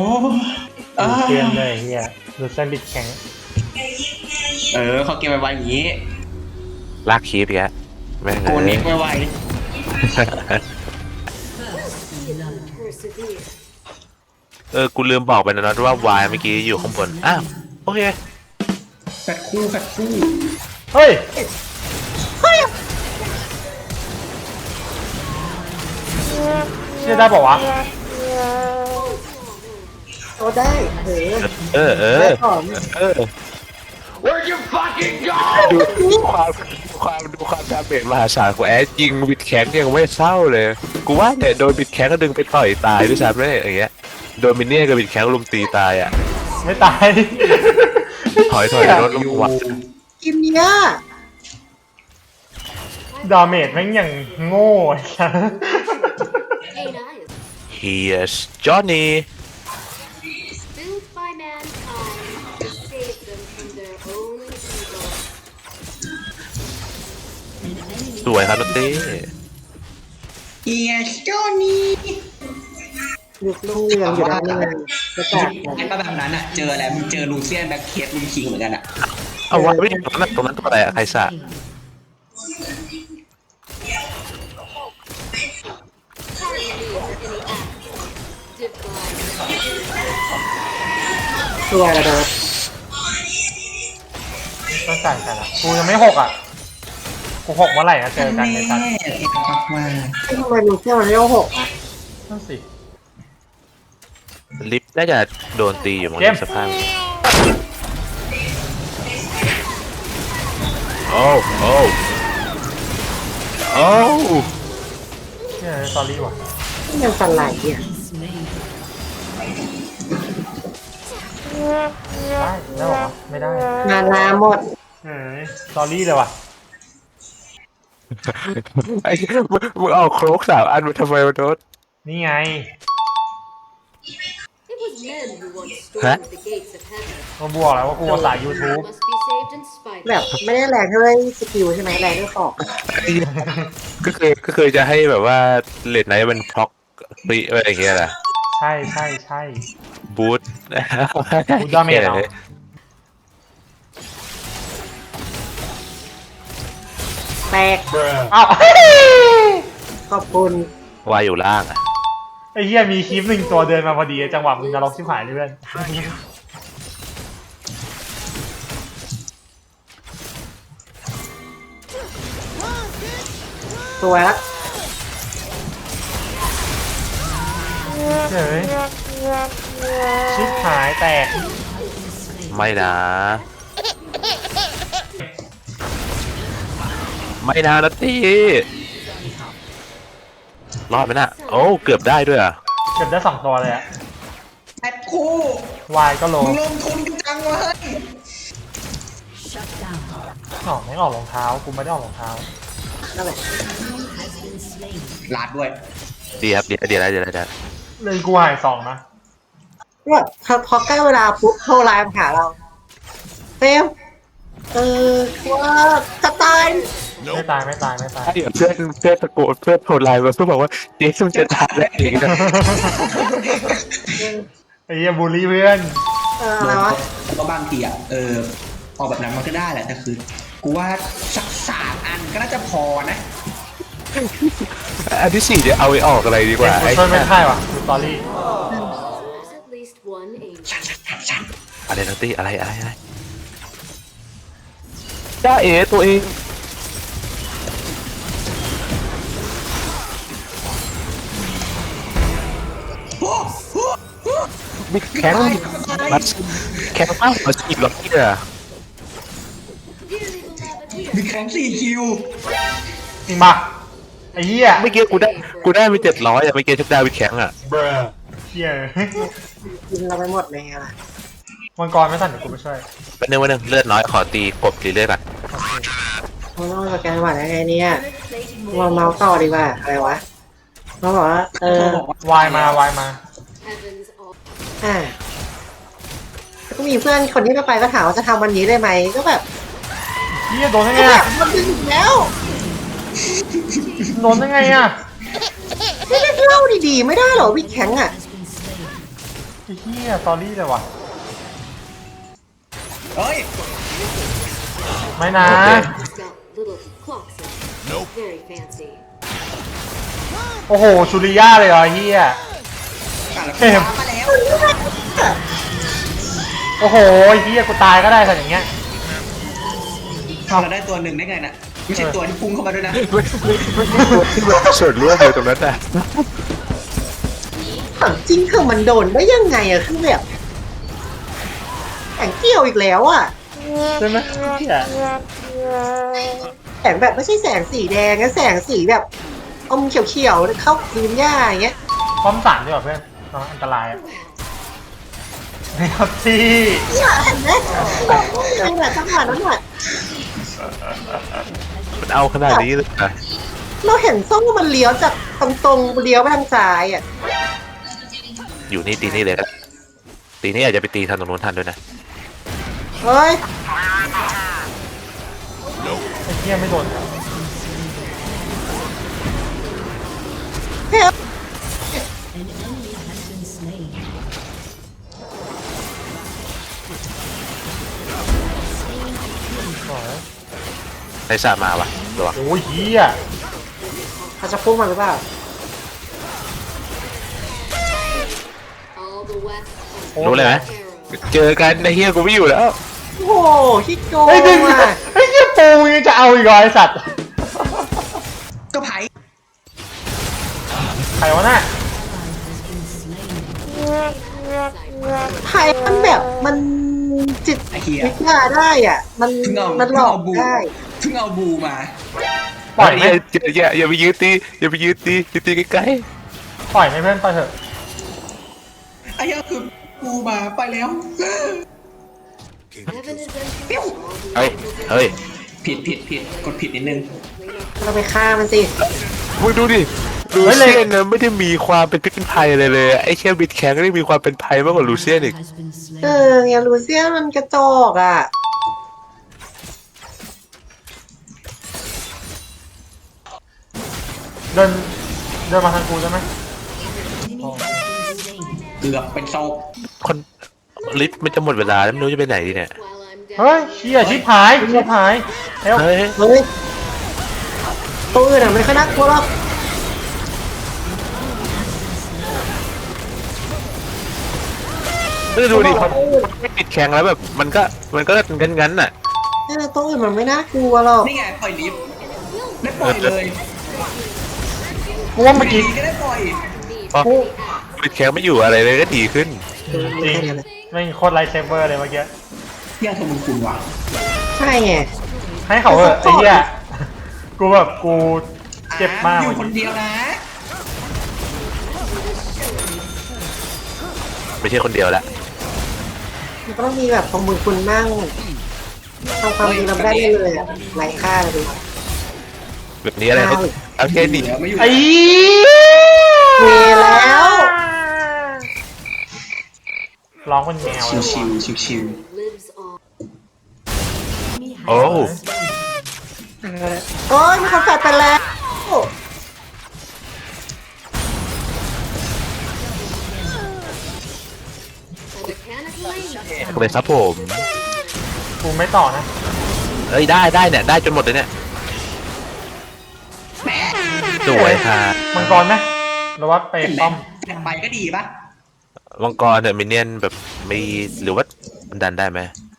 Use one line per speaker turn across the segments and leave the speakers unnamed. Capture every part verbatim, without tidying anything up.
ดูเกมเลยเฮียดูเส้นบิดแข็ง
เออเขาเกมไวๆอย่างนี้
ลากคีบอีกแล้วแม่ง
โกนิกไว
เออกูลืมบอกไปนะว่าวายเมื่อกี้อยู่ข้างบนอ้าวโอเค
แฟดคู่แฟดคู่
เฮ้ยเฮ้ยเชื่อได้ป่าวะ
โอ้ได้เออ
เออเออเออ
Where you fucking go
ดูความความดูความดาเมจมหาศาลของแอดยิงบิดแข็งยังไม่เศร้าเลยกูว่าเนี่ยโดนบิดแข็งก็ดึงไปต่อยตายด้วยซ้ำเลยอย่างเงี้ยโดนมินเนี่ยกับบิดแข็งลุมตีตายอ่ะ
ไม่ตาย
ถอยถอยรถลงวัด
กิมเนี้ย
ดาเมจแม่งอย่างโง่ใช่
Here's Johnnyสวยครับนตี้
เฮียโจนี่
ลูกลุงเรืองอยู่ด้านนี้จะแตก
ไอ้ป้าแบบนั้นอ่ะเจออะไรมึงเจอลูเซียนแบ็คเคสลุงคิงเหมือนกันอ่ะ
เอาไว้ไม่ตรงนั้นตรงนั้นตัวอะไรอะใครสะ
ตัวระเบิด
ต้องสั่งกันอ่ะกูยังไม่หกอ่ะกูหกเมื่อไหร่นะเจอกันในสัตว์
ทำไมลูกเที่ยวมันเรียกหกอ่ะ
นั่นสิ
ลิฟต์น่าจะโดนตีอยู่มั้งสภาพโอ้โอ้โอ้
เนี่ยสตอรี่ว่ะ
ยังสั่นไหลอ่ะ
ได้ได้หรอไม่ได้
งานลาหมด
เฮ้ยสตอรี่เลยว่ะ
ไอ้มึงเอาโครกสามอันมาทำไมวะโดด
นี่ไงฮะมาบวกแล้วว่ากูสาย YouTube
แบบไม่ได้แรงด้วยสกิลใช่ไหมแรงด้วยขอบ
ก็เคยก็เคยจะให้แบบว่าเลดไนท์มันพล็อกปรีอะไรอย่างเงี้ยแหละ
ใช่ใช่ใช่
บูท
บูทดาเมจเอา
แตก
อ้าว
ขอบคุณ
วายอยู่ล่างอ่ะ
ไอ้เหี้ยมีคลิปหนึ่งตัวเดินมาพอดีจังหวะมึงนรกชิบหายเลยเพื่อน
ตัวละ
เฮ้ยชิบหายแตก
ไม่นะไม่นะนัตตี้รอดไหมน่ะโอ้เกือบได้ด้วยอ่ะ
เกือบได้สองตัวเลยอ่ะ
แอดคู่
วายก็โล
มึงลงทุนกันจังวะ
อ๋อไม่ออกรองเท้ากูไม่ได้ออกรองเท้า
นั่นแหละ
ลาดด้วย
ดีครับดีดีอะไรดีอะไรดี
เลยกูหายสองนะ
ว่าพอใกล้เวลาปุ๊บโทรไลน์มาหาเราเฟมเออว่าจะตาย
ไม่ตายไม่ตายไม่ตาย
เดี๋ยวเพื่อนเพื่อนตะโกนเพื่อนโทรไลน์มาเพื่อนบอกว่าเจ๊ซุ่มจะตายแล้วเองนะ
ไอ้เหี้ยบูลลี่เพื่อน
เอออะไรวะ
ก็บางทีอ่ะเออออกแบบนั้นมันก็ได้แหละแต่คือกูว่าสักสามอันก็น่าจะพอนะ
อันที่สี่จะเอาไปออกอะไรดีกว่า
ไอ้ช่วยไม่ได้ว่ะดูสตอรี่
อะไรนัตตี้อะไรอะไรอะไรจ้าเอ๋ตัวเองมีแข็งแข็งมากมาจีบหรอกเนี่ย
มีแข็งสี่คิว
จริงป่ะไอ้เหี้ย
ไม่เกี่ยวกูได้กูได้ไปเจ็ดร้อยอะไม่เกี่ยวชุดดาววิแข็งอะ
เหี้ย
กินเราไปหมดเลยอะไร
มังกรไม่สั่นเดี๋ยวกูไปช่วย
เป็นหนึ่งวันหนึ่งเลือดน้อยขอตีกบตีเลือดก่อน
เราต้องสแกนหวัดยังไงเนี่ยเราเมาส์ต่อดีกว่าอะไรวะเขาบอกว่าเออ
วายมาวายมา
อ่าก็มีเพื่อนคนที่ไปก็ถามว่าจะทำวันนี้ได้ไหมก็แบบ
เฮียโดนยังไงอ่ะ
มันถึงแล้ว
โดนยังไงอ่ะ
ไม่ได้เล่าดีๆไม่ได้หรอวิกแข็งอ่ะ
เฮียตอรี่เลยว่ะ
เฮ้ย
ไม่นะ
โอเค
It's got little clocks in it. Very fancy.
โอ้โหชูริยาเลยเหรอเฮีย
อ่ะแล้วกูว้ามาแล้ว
โอ้โหเฮียกูตายก็ได้แต่อย่างเงี้ย
เราได้ตัวหนึ่งได้ไงน่ะไม่ใช่ตัวที่พุ่งเข้ามาด้วยนะ
ที่มันส่วนร่วมเลยตรงนั้นน่ะ
ถามจริงคือมันโดนได้ยังไงอะคือแบบแข่งเกี่ยวอีกแล้วอะ
ใช่ไหมเฮีย
แสงแบบไม่ใช่แสงสีแดงนะแสงสีแบบอมเขียวๆเข้าพื้นหญ้าอย่างเงี้ย
ป้อมสามดีกว่าเพื่อนน้องอันตรายอ่ะไม่ครับที่
เนี่ยเห็นไหมจังหวะจังหวะนั้นอะ
มันเอาขนาดนี้เลยนะ
เราเห็นส้มมันเลี้ยวจากตรงๆเลี้ยวไปทางซ้ายอะ
อยู่นี่ตีนี่เลยนะตีนี่อาจจะไปตีทางตรงนู้นทันด้วยนะ
เฮ้ย
ไอ้เฮียไม่โดน
เฮ้ย
ในสามาวะระวัง
โอ้ยเฮีย
เขาจะพุ่งมาหรือเปล่า
All the west
โอ้
รู้เลยไหม
arrow.
เจอกันในเฮียกูไม่อยู่แล้ว
โอ้โหคิดโกง
ไอ้ดึง
อะ
ไอ้เฮียปูยังจะเอาอีกเหรอไอ้สัตว์
ก็ไผ่
ใครวะน่ะ
ไทยมันแบบมันจิต
ไอ้เหี้ย
วิทยาได้อ่ะ มัน
เพิ่งเอา
มันหล
เพิ่ง
อก
เอาบู
ได้
เพิ่งเอาบูมา
ปล่อยไหม
อย่าอย่าอย่าไปยืดตีอย่าไปยืดตียืดตีใกล้
ปล่อยไหมเพื่อนปล่อยเถอะ
ไอ้เหี้ยคือบูมาไปแล้ว
Heaven is empty.
เปี้ยว
ๆเฮ้ยเฮ้ย
ผิดผิดผิดกดผิดนิดนึง
เราไปฆ่ามันสิ
มึงดูดิลูเซียนนะไม่ได้มีความเป็นพิษเป็นภัยอะไรเลยไอ้แค่บิดแข็งก็ได้มีความเป็นภัยมากกว่าลูเซียนอีก
เออเนี่ยลูเซียนมันกระจอกอ่ะ
เดินเดินมาทางกูใช่ไหม
เกือบเป็นโซก
คนลิฟต์มันจะหมดเวลาแล้วไม่รู้จะไปไหนดีเนี่ย
While I'm
เฮ้ย
down.
เฮียชิบหายชิบหายเฮ้ย
เฮ้ย
เฮ้ยตัวอื่นอ่ะไม่ค่อยน่ากลัวหรอก
ไม่ดูดิพอไม่ปิดแข็งแล้วแบบมันก็มันก็งั้นงั้นๆน่ะ
เออตัวอื่นมันไม่น่ากลัวหรอก
นี่ไงปล่อยลิฟต์ได้ปล่อยเลย
กูว่าเมื่อกี้
ดีก็ได้ปล่อย
พอปิดแข็งไม่อยู่อะไรเลยก็ดีขึ้น
จริงไม่งโคตรไลท์เซเวอร์เลยเมื่อกี้
เหี้ยโทรมึงคุณว่ะ
ใช่ไง
ให้เขาเถอะไอ้เหี้ยกูแบบกูเจ็บมาก
อยู่คนเดียวนะ
ไม่ใช่คนเดียวละ
มันก็ต้องมีแบบของมือคุณนั่งทำความดีเราไม่ได้เลยอ่ะไร้ค่าเลย
แบบนี้อะไรเขาเอาแค่นี้
เดี๋ยวไม่อยู่
ไอ้
มีแล้ว
ร้องคนแมว
ชิ
เล
วย ชิว
ว่ะ
ชิวชิว
Lives on.
โอ้
โอ้ยมีคนแฟดไปแล้ว
A mechanic lane.
เลยครับผม
กูไม่ต่อนะ
เอ้ยได้ได้เนี่ยได้จนหมดเลยเนี่ยสวยค่ะ
มังกรไหมหรือว่าไป
เห็นไหม
ป้อม
แต่ไปก็ดีปะ
มังกรเนี่ยมินเนี่ยนแบบไม่หรือว่ามันดันได้ไหม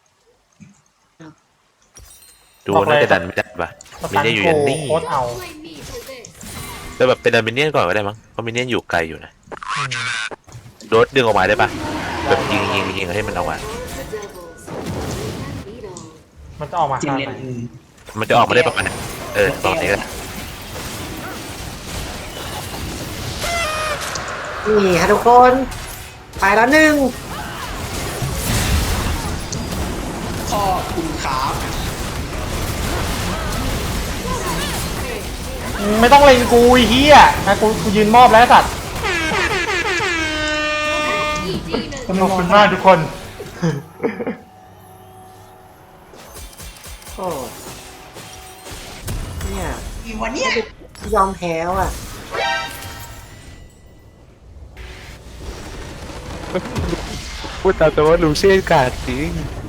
ดูน่าจะดันไม่ได้ปะ
ส
มิน
ตัน
เนี่ยนอยู่
โก
ยันนี่
โคตรเอา
Blame me for this.
แต่แบบเป็นดันมินเนี่ยนก่อนก็ได้มั้งเพราะมินเนี่ยนอยู่ไกลอยู่นะ
อืม
โดดดึงออกมาได้ปะแบบยิงยิงยิงให้มันออกมา
The devils. Beat all.
มันจะออกมา
จิม
ขนาด
เลน
ไหน
มันจะออกมาได้ประมาณไหนเออตอนนี้ก็ได้
นี่ค่ะทุกคน ไปแล้วหนึ่ง
ขอบคุณครับ
ไม่ต้องเล็งกูไอ้เหี้ยนะกูกูยืนมอบแล้วไอ้สัตว์
Demon.
ขอบคุณมากทุกคน
โอ้เนี่ย
อีวันเนี้ย
ยอมแพ้ว่ะ
เ
พูดตามตรงว่าลูเซียนกาดจริง